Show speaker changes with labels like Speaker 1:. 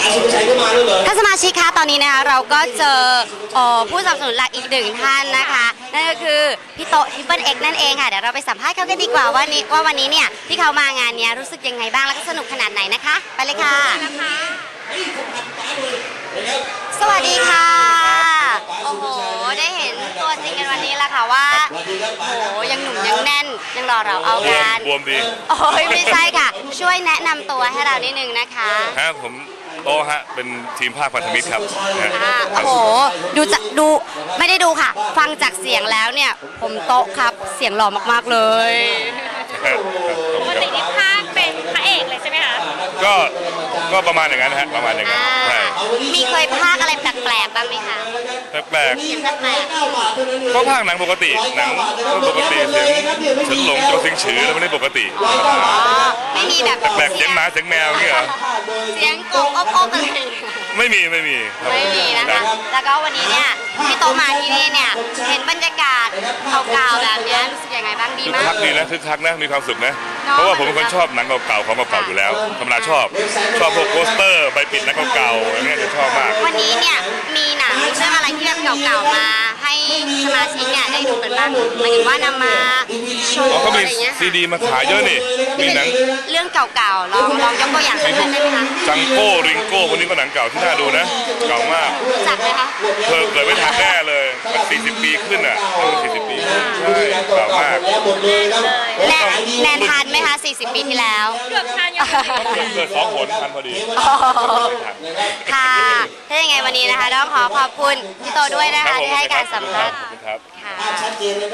Speaker 1: ท่านสมาชิกคะตอนนี้นะคะเราก็เจอผู้สนับสนุนหลักอีกหนึ่งท่านนะคะนั่นก็คือพี่โตTriple Xนั่นเองค่ะเดี๋ยวเราไปสัมภาษณ์เขากันดีกว่าว่าวันนี้เนี่ยที่เขามางานนี้รู้สึกยังไงบ้างแล้วก็สนุกขนาดไหนนะคะไปเลยค่ะสวัสดีค่ะโอ้โหได้เห็นตัวจริงกันวันนี้แล้วค่ะว่าโอ้โหยังหนุ่มยังแน่นยังรอเราเอากัน
Speaker 2: บวมดี
Speaker 1: โอ้ยไม่ใช่ค่ะช่วยแนะนำตัวให้เรานิดนึงนะคะ
Speaker 2: ผมโตฮะเป็นทีมภาคพันธมิตรครับ
Speaker 1: โอ้โหดูไม่ได้ดูค่ะฟังจากเสียงแล้วเนี่ยผมโตครับเสียงหล่อมากๆเลย
Speaker 3: ปกติที่ภาคเป็นพระเอกเลยใช่ไหมคะ
Speaker 2: ก็ประมาณอย่างนั้นฮะประมาณอย่างนั้นใช่
Speaker 1: มีเคยภาคอะไรแปลกๆบ้างไหมคะ
Speaker 2: แปลกก็ภาคหนังปกติหนังปกติเสียงฉันหลงโจซิงฉือแล้วไม่ได้ปกติ
Speaker 1: ไม่มีแบบ
Speaker 2: แปลกเสียงหมาเสียงแมวเงี้ย
Speaker 1: เสียงกบอบอะไร
Speaker 2: ไม่มี
Speaker 1: นะคะแล้วก็วันนี้เนี่ยที่โตมาที่นี่เนี่ยเห็นบรรยากาศเก่าๆแบบนี้รู้สึกยังไงบ้างดีมาก
Speaker 2: คึกคักดีนะคึกคักนะมีความสุขนะเพราะว่าผมเป็นคนชอบหนังเก่าๆของเก่าๆอยู่แล้วธรรมดาชอบพวกโปสเตอร์ใบปิดหนังเก่าๆอย่างเงี้ยจะชอบมาก
Speaker 1: วันนี้เนี่ยมีหนังเรื่องอะไรที่แบบเก่าๆมาให้สมาชิกเนี่ยได้ดูกันบ้างหมายถึงว่านำมาโชว์อะไรเงี้ย
Speaker 2: ซีดีมาขายเยอะนี่มีหนัง
Speaker 1: เรื่องเก่าๆลองยกตัวอย่างสักเรื่องได้ไหมคะ
Speaker 2: จังโก้ริงโก้คนนี้ก็หนังเก่าที่น่าดูนะเก่ามาก
Speaker 1: จักไหมคะ
Speaker 2: เกิดไม่ทันแน่เลย40 ปีขึ้นอ่ะ40 ปีใช่เก่ามาก
Speaker 1: แนนทันไหมคะ40 ปีที่แล้ว
Speaker 3: เกือบทันยัง
Speaker 2: เกิด2 หนทันพอดี
Speaker 1: ค่ะถ้าอย่างไงวันนี้นะคะต้องขอขอบคุณพี่โตด้วยนะคะที่ให้การสัมภาษณ์ค่ะ